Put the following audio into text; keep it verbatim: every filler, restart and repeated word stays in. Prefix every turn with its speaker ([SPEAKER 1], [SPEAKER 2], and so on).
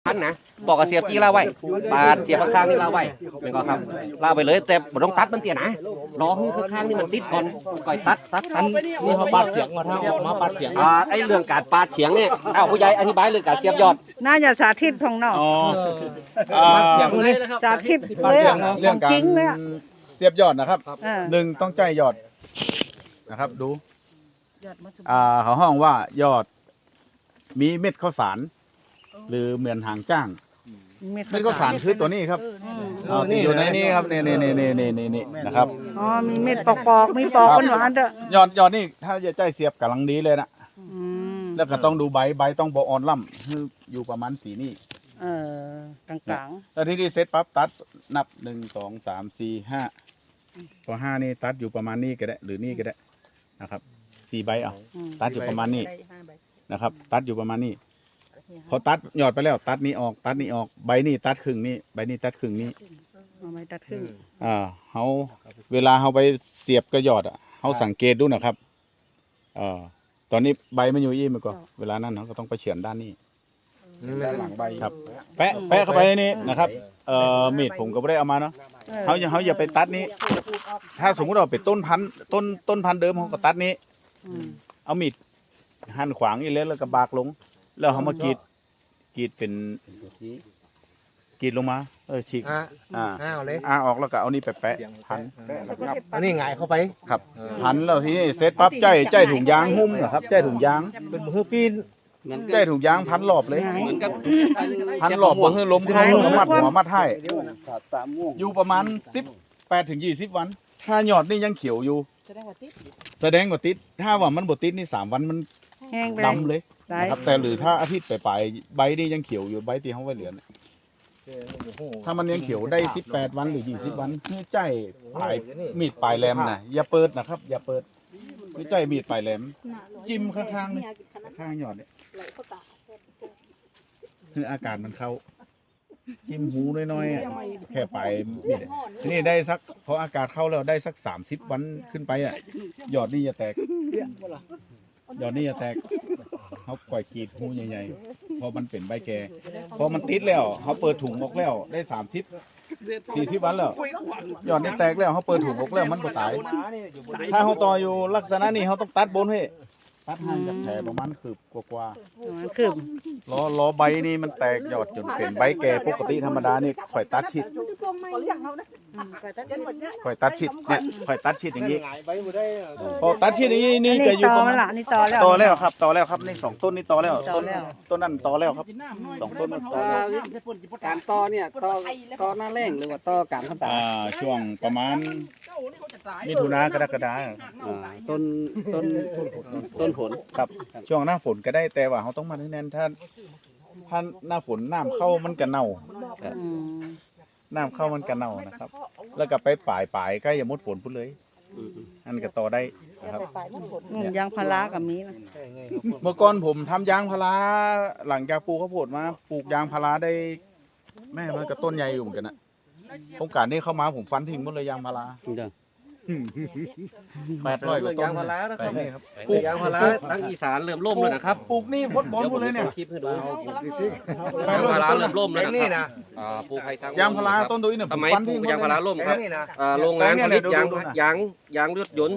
[SPEAKER 1] พันนะบอกกับเสียบจี้ลาไว้ปาดเสียบข้างๆนี่ลาไว้เป็นก็ครับลาไปเลยแต่บ่ต้องตัดมันเตี้ยนะรอให้ข้างๆนี่มันติดก่อนก่อยตัดตัดตัด
[SPEAKER 2] นี่เขาปาดเสียงมาถ้าออกมาปาดเสียง
[SPEAKER 1] อ่าไอ้เรื่องการปาดเฉียงเนี่ยเอาผู้ใหญ่อธิบายเรื่องการเสียบยอด
[SPEAKER 3] น่าจะสาธิตของน้อง
[SPEAKER 4] อ๋อ
[SPEAKER 2] ปาดเสียงเลย
[SPEAKER 3] สาธิต
[SPEAKER 4] ปาด
[SPEAKER 3] เลย
[SPEAKER 4] เสีย
[SPEAKER 3] อะ
[SPEAKER 4] ง
[SPEAKER 3] ข
[SPEAKER 4] เรื่อ
[SPEAKER 3] อง ง
[SPEAKER 4] กา
[SPEAKER 3] จ
[SPEAKER 4] ร
[SPEAKER 3] ริงเลยอะ
[SPEAKER 4] เสียบยอดนะครับ
[SPEAKER 3] เออ
[SPEAKER 4] หนึ่งต้องใจยอดนะครับดูอ่าเขาห้องว่ายอดมีเม็ดข้าวสารหรือเหมือนหางจ้างเม็ดข้าวสารคือตัวนี้ครับอ๋ออยู่ในนี้ครับนี่นี่นี่นี่นี่นี่นี่นะครับ
[SPEAKER 3] อ๋อมีเม็ดปอกๆมีปอกหวานๆเด้อย
[SPEAKER 4] อดยอดนี่ถ้าจะใจเสียบกำลังดีเลยนะ
[SPEAKER 3] อืม
[SPEAKER 4] แล้วก็ต้องดูใบใบต้องบออ่อนล่ำคืออยู่ประมาณสีนี่
[SPEAKER 3] เออกลาง
[SPEAKER 4] แล้วที่นี่เซตปั๊บตัดนับหนึ่งสองสามสี่ห้าพอห้านี่ตัดอยู่ประมาณนี้ก็ได้หรือนี่ก็ได้นะครับสี่ใบเอา
[SPEAKER 3] ๆอืม
[SPEAKER 4] ตัดอยู่ประมาณนี้นะครับ ตัดอยู่ประมาณนี้พอตัดยอดไปแล้ว ตัดนี้ออก ตัดนี้ออกใบนี้ตัดครึ่งนี้ใบนี้ตัดครึ่งนี้
[SPEAKER 3] เอาไม้ตัดครึ่ง
[SPEAKER 4] อ่าเขาเวลาเขาไปเสียบกระยอดอ่ะเขาสังเกตดูนะครับเอ่อตอนนี้ใบมันอยู่ยี่มันก็เวลานั้นเขาก็ต้องไปเฉือนด้านนี้
[SPEAKER 2] ด้านหลังใบ
[SPEAKER 4] ครับ แปะแปะเข้าไปนี่นะครับเอ่อมีดผมก็ไม่ได้เอามาเนาะ
[SPEAKER 3] ออ
[SPEAKER 4] เขาอย่าเขาอย่าไปตัดนี้ ถ้าสมมติเราเป็นต้นพันธุ์ต้นต้นพันธุ์เดิมเขาก็ตัดนี้
[SPEAKER 3] อืม
[SPEAKER 4] เอามีดหั่นขวางอีเล็กแล้วก็บากลง แล้วเขามากรีดกรีดเป็นกรีดลงมา เออฉีก
[SPEAKER 2] อ่า
[SPEAKER 4] อ่า
[SPEAKER 2] อ้าวเลย
[SPEAKER 4] อ่าออกแล้วก็เอานี่ไปแปะพัน
[SPEAKER 2] อันนี้หงายเข้าไป
[SPEAKER 4] ครับพันแล้วทีนี้เสร็จปั๊บใจใจถุงยางหุ้มนะครับใจถุงยาง
[SPEAKER 2] เป็นมือปีน
[SPEAKER 1] เหมือน
[SPEAKER 4] ใจถุงยางพันรอบเลย
[SPEAKER 1] เหมือนกับ
[SPEAKER 4] พันรอบบ่ให้ล้มเข้าแล้วมัดหัวมัดท้ายอยู่ประมาณสิบแปดถึงยี่สิบวัน ถ้ายอดนี่ยังเขียวอยู่ แสดงว่าติด ถ้าว่ามันบ่ติดนี่สามวันมัน
[SPEAKER 3] แห้งไป
[SPEAKER 4] ดำเลย
[SPEAKER 3] ได้
[SPEAKER 4] นะครับแต่หรือถ้าอาทิตย์ไปๆใบนี่ยังเขียวอยู่ใบที่เขาไว้เหลือเนี่ยถ้ามันยังเขียวได้สิบแปดวันหรือยี่สิบวันคือใจปลายมีดปลายแหลมนะอย่าเปิดนะครับ อย่าเปิดคือใจมีดปลายแหลม จิ้มข้างๆนี่ข้างยอดเนี่ยคืออากาศมันเข้า จิ้มหูน้อยๆอะแค่ปลายมีดอะทีนี่ได้สักพออากาศเข้าแล้วได้สักสามสิบวันขึ้นไปอ่ะยอดนี่จะแตกยอดนี่จะแตกเขาปล่อยกรีดหูใหญ่ๆพอมันเป็นใบแก่พอมันติดแล้วเขาเปิดถุงออกแล้วได้สามสิบสี่สิบวันแล้วยอดนี่แตกแล้วเขาเปิดถุงออกแล้วมันบ่ตาย ถ้าเขาต่ออยู่ลักษณะนี้เขาต้องตัดบนให้ตัดห่างจากแผลประมาณคืบกว่า
[SPEAKER 3] ประมาณครึ่ง
[SPEAKER 4] ๆล้อล้อใบนี่มันแตกยอดจนเป็นใบแก่ปกติธรรมดานี่ข่อยตัดชิดข่อยตัดชิดเนี่ยข่อยตัดชิดอย่างนี้
[SPEAKER 2] หงายใบบ่ได้
[SPEAKER 4] พอตัดชิดอย่างนี้นี่
[SPEAKER 3] อัน
[SPEAKER 4] ก็
[SPEAKER 3] นี้
[SPEAKER 4] อยู่
[SPEAKER 3] ต่อ
[SPEAKER 4] ประมาณ
[SPEAKER 3] ละอันนี่ต่อแล้ว
[SPEAKER 4] ต่อแล้วครับต่อแล้วครับนี่สองต้นนี่ต่อแล้ว
[SPEAKER 3] ต่
[SPEAKER 4] ต้
[SPEAKER 3] อน แล้ว
[SPEAKER 4] ต้นนั้นต่อแล้วครับสองต้นนั้นต่อแล้ว
[SPEAKER 1] การต่อเนี่ยต่อต่อหน้าแรงหรือว่าต่อกลางพรรษา
[SPEAKER 4] อ่าช่วงประมาณมิถุนากรกฎาคม
[SPEAKER 1] อ่าต้นต้นต้นผล
[SPEAKER 4] ครับช่วงหน้าฝนก็ได้แต่ว่าเขาต้องมาแน่นๆถ้าถ้าหน้าฝนน้ำเข้ามันก็เน่า
[SPEAKER 3] อืม
[SPEAKER 4] น้ำเข้ามันก็เน่านะครับ แล้วก็ไปป่ายป่ายใกล้จะหมดฝนพุ่นเลย
[SPEAKER 1] อืม
[SPEAKER 4] อันก็ต่อได้นะครับ
[SPEAKER 3] นุ่นยางพารากับมีนะ
[SPEAKER 4] เมื่อก่อนผมทำยางพาราหลังจากปลูกข้าวโพดมาปลูกยางพาราได้ แม่มันก็ต้นใหญ่อยู่เหมือนกันนะโครงการนี้เข้ามาผมฟันทิ้งหมดเลยยางพารา
[SPEAKER 1] เด้อ
[SPEAKER 4] แปดร้อยกว่าต้น
[SPEAKER 1] ยางพารานะครับ
[SPEAKER 4] แปดนี่ครับ
[SPEAKER 1] ปลูกยางพาราทั้งอีสานเริ่มล่มแล้วนะครับ
[SPEAKER 4] ปลูกนี่พดบอลหมดเลยเนี่ย
[SPEAKER 1] คลิปให้ดู
[SPEAKER 4] แป
[SPEAKER 1] ยา
[SPEAKER 4] ด
[SPEAKER 1] ง
[SPEAKER 4] ร้อย
[SPEAKER 1] พาก รา
[SPEAKER 4] ว่าต้น
[SPEAKER 1] เริ่มล่มแล้ว
[SPEAKER 2] นี่
[SPEAKER 1] นะ
[SPEAKER 2] นะ
[SPEAKER 1] อ่าปลูกไผ่สัง
[SPEAKER 4] ยางพาราต้นตัวนี้เนี่ย
[SPEAKER 1] ส
[SPEAKER 4] ผม
[SPEAKER 1] มัย
[SPEAKER 4] ฟัน
[SPEAKER 1] ปลู
[SPEAKER 4] ทิ้ง
[SPEAKER 1] ก
[SPEAKER 4] หมด
[SPEAKER 1] ยางพารา
[SPEAKER 4] เลย
[SPEAKER 1] ล่มครับอ่าโรงงานผลิตยางยางยางรถยนต์